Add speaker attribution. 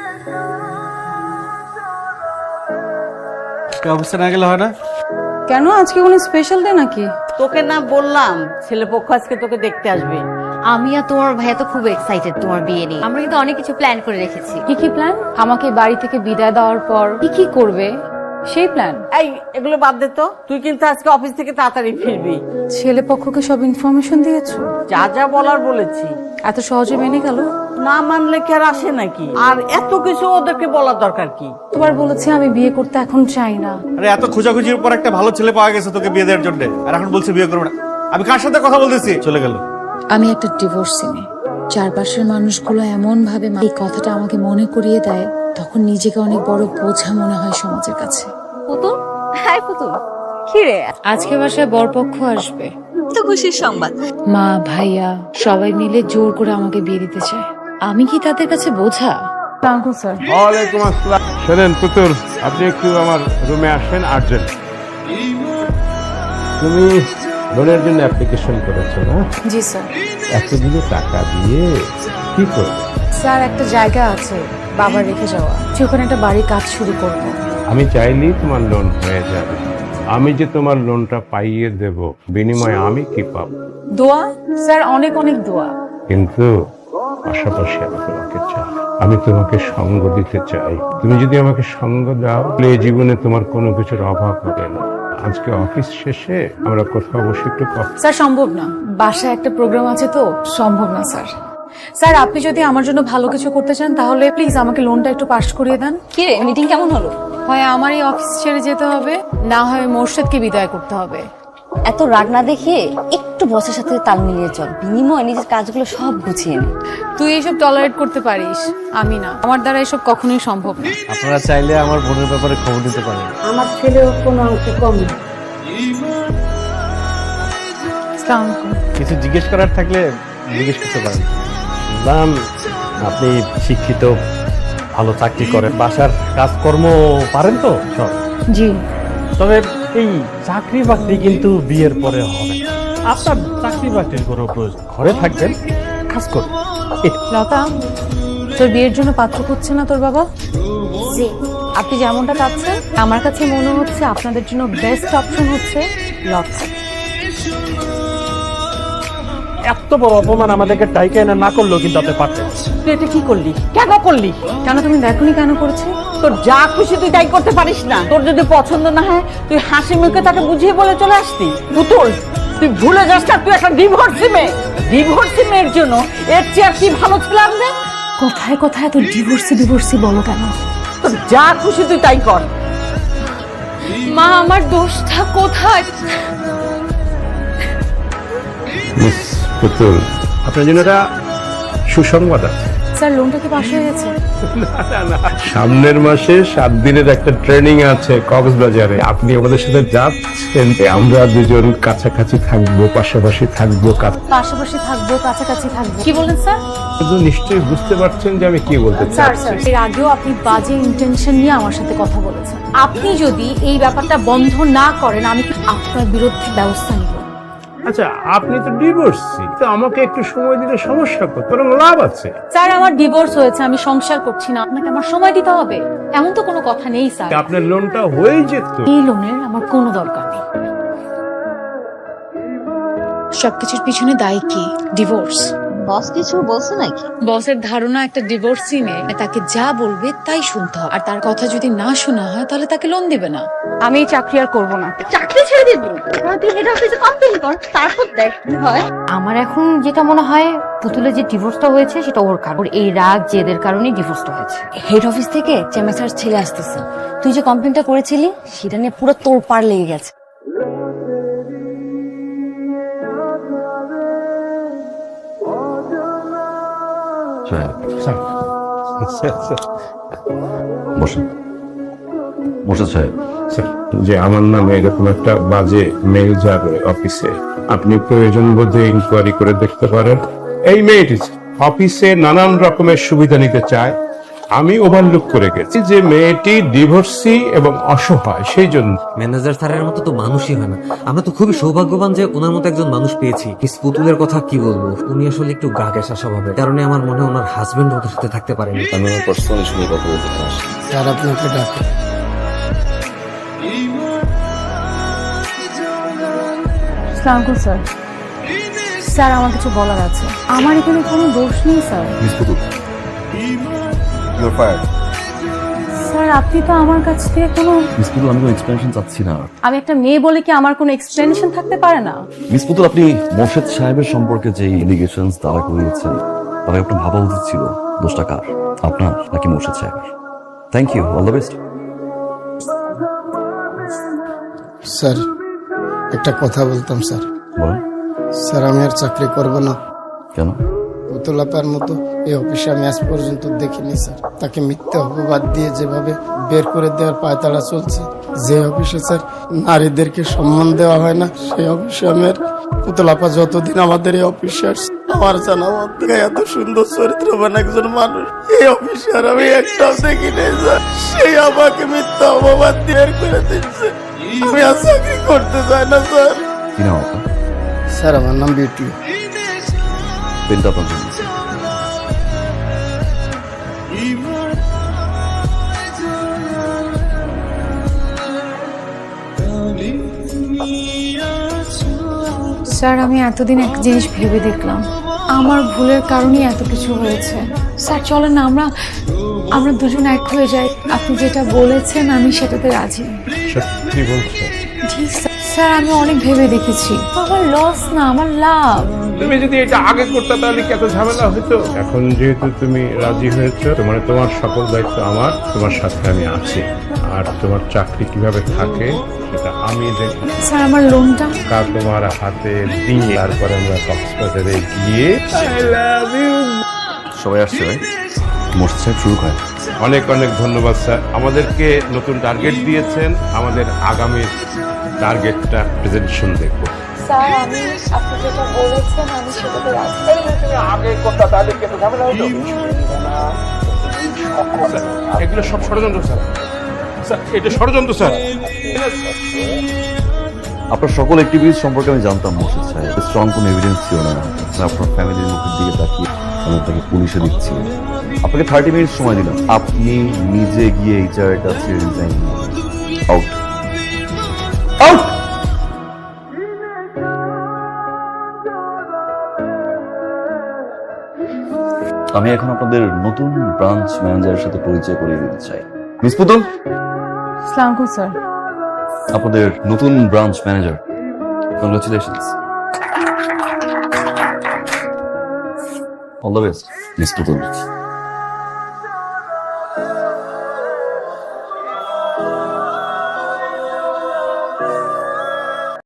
Speaker 1: অফিসে না গেলে হয় না?
Speaker 2: কেন, আজকে কোনো স্পেশাল ডে নাকি?
Speaker 3: তোকে না বললাম ছেলে পক্ষ আজকে তোকে দেখতে আসবে।
Speaker 4: আমি আর তোমার ভাইয়া তো খুব এক্সাইটেড তোমার বিয়ে নিয়ে। আমরা কিন্তু অনেক কিছু প্ল্যান করে রেখেছি।
Speaker 2: কি কি প্ল্যান? আমাকে বাড়ি থেকে বিদায় দেওয়ার পর কি কি করবে সেই প্ল্যান?
Speaker 3: এই এগুলো বাদ দে তো, তুই কিন্তু আজকে অফিস থেকে তাড়াতাড়ি ফিরবি।
Speaker 2: ছেলে পক্ষকে সব ইনফরমেশন দিয়েছো?
Speaker 3: যা যা বলার বলেছি।
Speaker 2: এত সহজে মেনে গেল?
Speaker 3: না মানলে কি আর আসে নাকি? আর এত কিছু ওদেরকে বলার দরকার কি?
Speaker 2: তোমার বলেছে আমি বিয়ে করতে এখন চাই না।
Speaker 1: আরে এত খোঁজাখুঁজির পর একটা ভালো ছেলে পাওয়া গেছে তোকে বিয়ে দেওয়ার জন্য, আর এখন বলছে বিয়ে করবে না। আমি কার সাথে কথা বলতেছি? চলে গেল।
Speaker 5: আমি একটা ডিভোর্সি মেয়ে। চারপাশের মানুষগুলো এমন ভাবে এই কথাটা আমাকে মনে করিয়ে দেয়, তখন নিজেকে অনেক বড় বোঝা মনে হয় সমাজের কাছে।
Speaker 4: পুতুল, হাই পুতুল, কি রে?
Speaker 5: আজকে বাসায় বরপক্ষ আসবে।
Speaker 4: তো খুশির সংবাদ।
Speaker 5: মা ভাইয়া সবাই মিলে জোর করে আমাকে বিয়ে দিতে চায়। আমি কি তাদের কাছে বোঝা?
Speaker 2: Uncle sir.
Speaker 6: ওয়ালাইকুম আসসালাম। শোনেন পুতুল, আপনি একটু আমার রুমে আসেন আর্জেন্ট। তুমি লোনের জন্য অ্যাপ্লিকেশন করেছো না?
Speaker 2: জি স্যার।
Speaker 6: এতগুলো টাকা দিয়ে কি করবে?
Speaker 2: স্যার একটা জায়গা আছে বাবার রেখে যাওয়া, ওখানে একটা বাড়ির কাজ শুরু করব।
Speaker 6: আমি চাইলেই তোমার লোন হয়ে যাবে। আমি যে তোমার লোনটা পাইয়ে দেব, বিনিময়ে আমি কি পাবো?
Speaker 2: দোয়া স্যার, অনেক অনেক দোয়া।
Speaker 6: কিন্তু পাশাপাশি আমি তোমাকে চাই, আমি তোমাকে সঙ্গ দিতে চাই। তুমি যদি আমাকে সঙ্গ দাও, তাহলে এই জীবনে তোমার কোনো কিছুর অভাব হবে না। আজকে অফিস শেষে আমরা কোথাও বসে একটু
Speaker 2: স্যার সম্ভব না, বাসায় একটা প্রোগ্রাম আছে তো, সম্ভব না স্যার। স্যার আপনি যদি আমার জন্য ভালো কিছু করতে চান তাহলে প্লিজ আমাকে লোনটা একটু পাস করিয়ে দেন।
Speaker 4: কি রে, মিটিং কেমন হলো?
Speaker 2: হয় আমার এই অফিস ছেড়ে যেতে হবে, না হয় মোর্শেদকে বিদায় করতে হবে।
Speaker 4: এত রাগ না দেখিয়ে একটু বসের সাথে তাল মিলিয়ে চল, বিনিময়ে নিজের কাজগুলো সব গুছিয়ে নে।
Speaker 2: তুই এইসব টলারেট করতে পারিস, আমি না। আমার দ্বারা এসব কখনোই সম্ভব না।
Speaker 1: আপনারা চাইলে আমার বোনের ব্যাপারে খবর দিতে পারেন।
Speaker 3: আমার ছেলেও কোনো অংশ কম না।
Speaker 2: আসসালামু আলাইকুম।
Speaker 1: কিছু জিজ্ঞেস করার থাকলে জিজ্ঞেস করতে পারেন।
Speaker 7: শুনলাম আপনি শিক্ষিত, ভালো চাকরি করেন, বাসার কাজকর্ম পারেন তো সব?
Speaker 2: জি।
Speaker 7: তবে এই চাকরি বাকরি কিন্তু বিয়ের পরে হবে না। আপনার চাকরি বাকরির কোনো প্রয়োজন, ঘরে থাকবেন, কাজ করবেন।
Speaker 2: লতা, তোর বিয়ের জন্য পাত্র খুঁজছে না তোর বাবা? জি। আপনি যেমনটা চাচ্ছেন, আমার কাছে মনে হচ্ছে আপনাদের জন্য বেস্ট অপশন হচ্ছে লতা।
Speaker 7: এত বড় অপমান আমাদেরকে টাইকা এনে না করলেও কিন্তু আপনি পারতেন।
Speaker 3: তুই এটা কি করলি? কেন করলি?
Speaker 2: কেন তুমি দেখোনি কেন করেছে?
Speaker 3: তোর যা খুশি তুই তাই করতে পারিস না? তোর যদি পছন্দ না হয় তুই হাসি মুখে তাকে বুঝিয়ে বলে চলে আসতি। পুতুল, তুই ভুলে যাস না তুই একটা ডিভোর্সি মেয়ে। ডিভোর্সি মেয়ের জন্য এর চেয়ে আর কি ভালো ছিলাম না?
Speaker 2: কোথায় কোথায় এত ডিভোর্সি বলো কেন?
Speaker 3: তোর যা খুশি তুই তাই কর।
Speaker 2: মা, আমার দোষটা কোথায়?
Speaker 6: মিস পুতুল, আপনার জন্য একটা সুসংবাদ আছে।
Speaker 2: স্যার লোনটা কি পাস হয়ে গেছে?
Speaker 6: সামনের মাসে 7 দিনের একটা ট্রেনিং আছে কক্সবাজারে। আপনি আমাদের সাথে যাচ্ছেন। আমরা দুজন কাছাকাছি থাকবো, পাশাপাশি থাকবো।
Speaker 2: পাশাপাশি থাকবো, কাছাকাছি থাকবো। কি বলেন স্যার?
Speaker 6: কিন্তু নিশ্চয়ই বুঝতে পারছেন যে আমি কি বলতে
Speaker 2: স্যার
Speaker 6: চাচ্ছি।
Speaker 2: এর আগেও আপনি বাজে ইন্টেনশন নিয়ে আমার সাথে কথা বলেছেন। আপনি যদি এই ব্যাপারটা বন্ধ না করেন, আমি আপনার বিরুদ্ধে ব্যবস্থা নিব।
Speaker 6: আচ্ছা, আপনি তো ডিভোর্সি, তো আমাকে একটু সময় দিলে সমস্যা করতে বরং লাভ আছে।
Speaker 2: স্যার আমার ডিভোর্স হয়েছে, আমি সংসার করছি না, আপনাকে আমার সময় দিতে হবে এমন তো কোনো কথা নেই স্যার।
Speaker 6: আপনার লোনটা হয়ে যেত।
Speaker 2: এই লোনের আমার কোনো দরকার নেই।
Speaker 5: সবকিছুর পিছনে দায়ী কি? ডিভোর্স।
Speaker 4: বস কিছু বলছে নাকি?
Speaker 5: বসের ধারণা একটা ডিভোর্সি মেয়ে তাকে যা বলবে তাই শুনতে হবে, আর তার কথা যদি না শোনা হয় তাহলে তাকে লোন দিবে না।
Speaker 2: আমি এই চাকরি আর করবো না।
Speaker 4: চাকরি ছেড়ে দিবি? তুই হেড অফিসে কমপ্লেইন কর, তারপর দেখ কি হয়।
Speaker 8: আমার এখন যেটা মনে হয় পুতুলের যে ডিভোর্সটা হয়েছে সেটা ওর কারণ, এই রাগ জেদের কারণেই ডিভোর্সটা হয়েছে।
Speaker 4: হেড অফিস থেকে চেমেসার ছেলে আসতেছে। তুই যে কমপ্লেইনটা করেছিলি সেটা নিয়ে পুরো তোড়পাড় লেগে গেছে।
Speaker 6: যে আমার নামে এরকম একটা বাজে মেল যাবে অফিসে, আপনি প্রয়োজন বোধে ইনকোয়ারি করে দেখতে পারেন। এই মেয়েটি অফিসে নানান রকমের সুবিধা নিতে চায়, আমি ওভারলুক করে গেছি যে মেয়েটি ডিভোর্সি এবং অসহায়, সেই জন্য।
Speaker 9: ম্যানেজার স্যারের মতো তো মানুষই হয় না। আমরা তো খুবই সৌভাগ্যবান যে ওনার মতো একজন মানুষ পেয়েছি। মিস পুতুলের কথা কি বলবো, উনি আসলে একটু গা ঘেঁষা স্বভাবের কারণে আমার মনে হয় ওনার হাজবেন্ড ওদের সাথে থাকতে পারেনি।
Speaker 10: আমি আমার পার্সোনালি শুনে কথা বলতে চাই।
Speaker 11: স্যার আপনাকে ডাকে।
Speaker 2: আসসালামু স্যার। স্যার আমার কিছু বলার আছে। আমার এখানে কোনো দোষ নেই sir.
Speaker 10: Miss Putul, you are fired.
Speaker 2: Sir আপনি তো আমার কাছ থেকে কোনো
Speaker 10: মিস পুতুল, আমি কোনো এক্সপ্লেনেশন চাচ্ছি না।
Speaker 2: আমি একটা মেয়ে বলে কি আমার কোনো এক্সপ্লেনেশন থাকতে পারে না?
Speaker 10: মিস পুতুল, আপনি মোর্শেদ সাহেবের সম্পর্কে যে এলিগেশনস তারা করিয়েছেন, তারা আপনার ভাবা উচিত ছিল দোষটা কার, আপনার নাকি মোর্শেদ সাহেবের? Thank you, all the best.
Speaker 11: Sir একটা কথা বলতাম স্যার।
Speaker 10: বলেন।
Speaker 11: স্যার আমি আর চাকরি করব না।
Speaker 10: কেন?
Speaker 11: পুতুলাপার মতো এই অফিসে আমি আজ পর্যন্ত দেখিনি স্যার। তাকে মিথ্যে অপবাদ দিয়ে যেভাবে বের করে দেওয়ার পায়তারা চলছে, যে অফিসে স্যার নারীদেরকে সম্মান দেওয়া হয় না, সেই অফিসে আমি আর পুতুলাপা যতদিন আমাদের এই অফিসে আসছে, আমার জানা মধ্যে এত সুন্দর চরিত্রবান একজন মানুষ এই অফিসে আর আমি একটাও দেখিনি স্যার। সেই আমাকে মিথ্যা অপবাদ দিয়ে বের করে দিচ্ছে। আমি আর চাকরি করতে চাই না স্যার।
Speaker 10: কি নাম আপনার?
Speaker 11: স্যার আমার নাম বিউটি।
Speaker 10: পেনটা আপনার জন্য।
Speaker 5: স্যার আমি এতদিন এক জিনিস ভেবে দেখলাম, আমার ভুলের কারণেই এত কিছু হয়েছে। স্যার চলেন না আমরা দুজন এক হয়ে যাই। আপনি যেটা বলেছেন আমি সেটাতে রাজি।
Speaker 6: সত্যি বলছো?
Speaker 5: জি স্যার আমি অনেক ভেবে দেখেছি, আমার লস না, আমার লাভ।
Speaker 6: তুমি যদি এটা আগে করতে তাহলে কি এত ঝামেলা হতো? এখন যেহেতু তুমি রাজি হয়েছো, তোমার সকল দায়িত্ব আমার, তোমার সাথে আমি আছি। আর তোমার চাকরি কিভাবে থাকে সেটা আমি দেখব।
Speaker 5: স্যার আমার লোনটা
Speaker 6: কাল তোমার হাতে দিয়ে তারপরে আমরা কক্সবাজারে গিয়ে I love you।
Speaker 10: সবাই আসছে ভাই, মোর্শেদ সাহেব শুরু করেন।
Speaker 6: অনেক অনেক ধন্যবাদ স্যার, আমাদেরকে নতুন টার্গেট দিয়েছেন। আমাদের আগামী টার্গেটটা প্রেজেন্টেশন দেখবো।
Speaker 5: স্যার আমি আপনি যেটা বলেছেন আমি সেটাতে রাজি।
Speaker 6: এগুলো সব ষড়যন্ত্র স্যার। স্যার এটা ষড়যন্ত্র স্যার।
Speaker 10: আপনার সকল অ্যাক্টিভিটিস সম্পর্কে আমি জানতাম মোর্শেদ সাহেব, স্ট্রং কোনো এভিডেন্স ছিল না। আপনার ফ্যামিলির মুখের দিকে তাকিয়ে আমি আপনাকে পুলিশে দিচ্ছি। আপনাকে 30 মিনিট সময় দিলাম, আপনি নিজে গিয়ে এইচআর এর কাছে রিজাইন আউট আউট। আমি এখন আপনাদের নতুন ব্রাঞ্চ ম্যানেজারের সাথে পরিচয় করিয়ে দিতে চাই। মিস পুতুল,
Speaker 2: আসসালামু স্যার।
Speaker 10: আপনাদের নতুন branch manager. Congratulations, all the best miss পুতুল।